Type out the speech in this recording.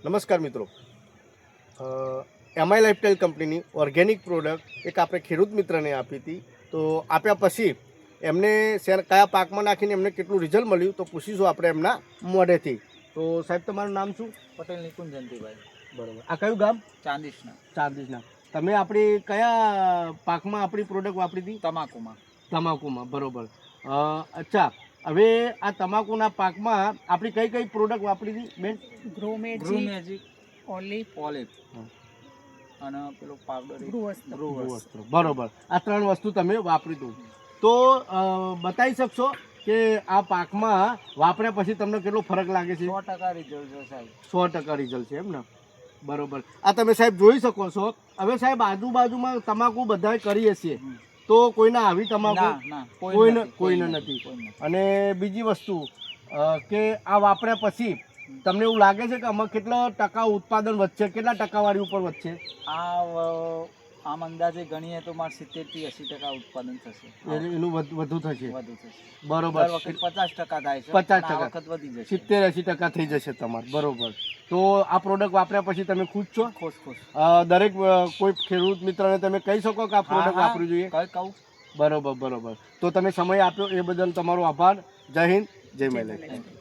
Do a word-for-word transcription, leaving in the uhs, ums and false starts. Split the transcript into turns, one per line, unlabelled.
નમસ્કાર મિત્રો, MI lifestyle કંપનીની ઓર્ગેનિક પ્રોડક્ટ એક આપણે ખેડૂત મિત્રને આપી હતી. તો આપ્યા પછી એમને શેર કયા પાકમાં નાખીને એમને કેટલું રિઝલ્ટ મળ્યું તો પૂછીશું આપણે એમના મોઢેથી. તો સાહેબ, તમારું નામ શું?
પટેલ નિકુંજ જયંતિભાઈ.
બરાબર. આ કયું ગામ?
ચાંદીસના.
ચાંદીસના. તમે આપણી કયા પાકમાં આપણી પ્રોડક્ટ વાપરી હતી?
તમાકુમાં.
તમાકુમાં. બરાબર. અચ્છા, હવે આ તમાકુના પાકમાં આપણી કઈ કઈ પ્રોડક્ટ વાપરી હતી બેન?
ગ્રો મેજિક, ઓલિવ, ઓલિવ અને પેલો પાવડર
વસ્ત્ર. બરોબર. આ ત્રણ વસ્તુ તમે વાપરી દો. તો બતાવી શકશો કે આ પાકમાં વાપર્યા પછી તમને કેટલો ફરક લાગે છે?
સો ટકા રિઝલ્ટ છે સાહેબ.
સો ટકા રિઝલ્ટ છે એમ ને? બરોબર. આ તમે સાહેબ જોઈ શકો છો. હવે સાહેબ, આજુબાજુમાં તમાકુ બધાએ કરી હશે, તો કોઈને આવી તમાકુ કોઈને કોઈને નથી. અને બીજી વસ્તુ કે આ વાપર્યા પછી તમને એવું લાગે છે કે આમાં કેટલા ટકા ઉત્પાદન વધશે, કેટલા ટકાવારી ઉપર વધશે?
આ આમ અંદાજે ગણીએ તો મારે સિત્તેર થી એસી ટકા ઉત્પાદન થશે.
એનું વધુ થશે.
વધુ થશે.
બરોબર.
પચાસ ટકા થાય છે.
પચાસ ટકા
વખત વધી જશે.
સિત્તેર એસી ટકા થઈ જશે તમારે. બરોબર. તો આ પ્રોડક્ટ વાપર્યા પછી તમે ખુશ છો?
ખુશ ખુશ.
દરેક કોઈ ખેડૂત મિત્રને તમે કહી શકો કે આ પ્રોડક્ટ વાપરવી જોઈએ?
કઈ કહું.
બરોબર બરોબર. તો તમે સમય આપ્યો એ બદલ તમારો આભાર. જય હિન્દ, જય મહિલા.